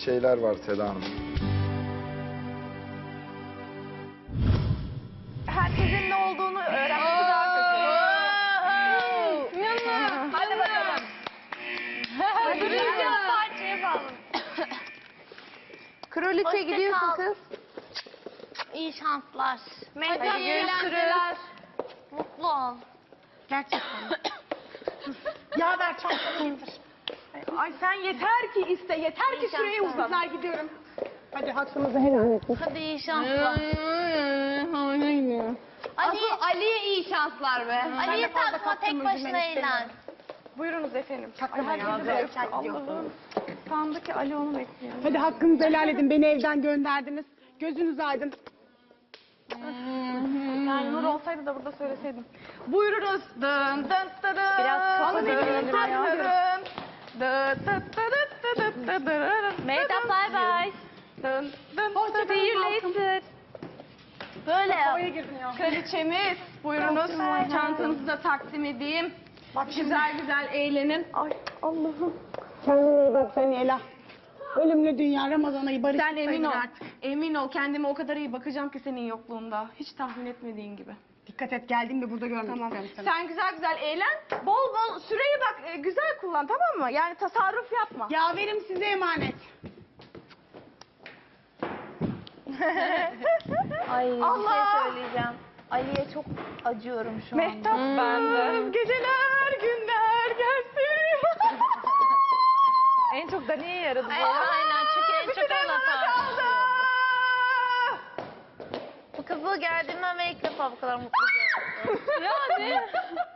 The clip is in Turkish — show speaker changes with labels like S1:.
S1: şeyler var Seda Hanım.
S2: Herkesin ne olduğunu öğrenmesi daha kötü. Hadi bakalım.
S3: Parça yapalım.
S2: Kraliçe
S3: Hoşça
S2: gidiyorsun
S3: kal.
S2: kız.
S3: İyi şanslar.
S2: Hadi iyi eğlenceler.
S3: Mutlu ol.
S2: Gerçekten.
S3: Ya ver çantamı indir.
S2: Ay sen yeter ki iste, yeter ki
S3: İyi
S2: süreyi
S3: şanslar.
S2: uzat. Ben gidiyorum. Hadi hakkımızı helal et.
S3: Hadi iyi şanslar.
S2: Asıl Ali'ye iyi şanslar be.
S3: Ali'ye takma, tek başına eğlen.
S2: Buyurunuz efendim. Allah'ım. Sandı ki Ali onu bekliyor.
S4: Hadi hakkınızı helal edin. Beni evden gönderdiniz. Gözünüz aydın.
S2: Yani Nur olsaydı da burada söyleseydim. Buyurunuz. Dın dın dın dın.
S3: Biraz kafa
S2: Dın
S3: dinleyelim
S2: dın
S3: ya.
S2: dın dın. Dın dın dın dın dın dın.
S3: Mehtap bay bay.
S2: Dın dın dın. See you later.
S3: Böyle yap.
S2: Kraliçemiz, buyurunuz. Çantanızı da takdim edeyim. Bak güzel güzel eğlenin. Ay Allah'ım.
S4: Kendine iyi bak sen Ela. Ölümlü dünya Ramazan ayı barış.
S2: Sen emin ol. Emin ol, kendime o kadar iyi bakacağım ki senin yokluğunda. Hiç tahmin etmediğin gibi.
S4: Dikkat et geldiğimde burada görmek
S2: Tamam.
S4: isterim seni.
S2: Sen güzel güzel eğlen. Bol bol süreyi bak güzel kullan, tamam mı? Yani tasarruf yapma.
S4: Yaverim size emanet.
S3: Ay bir
S2: Allah!
S3: şey söyleyeceğim. Ali'ye çok acıyorum şu anda.
S2: Mehtap bende. Geceler günler gelsin.
S3: En çok da niye yaradı bu? Aynen çünkü en çok ona
S2: kaldı.
S3: Bu kızı geldiğimden beri ilk defa bu kadar mutlu gördüm. Yani.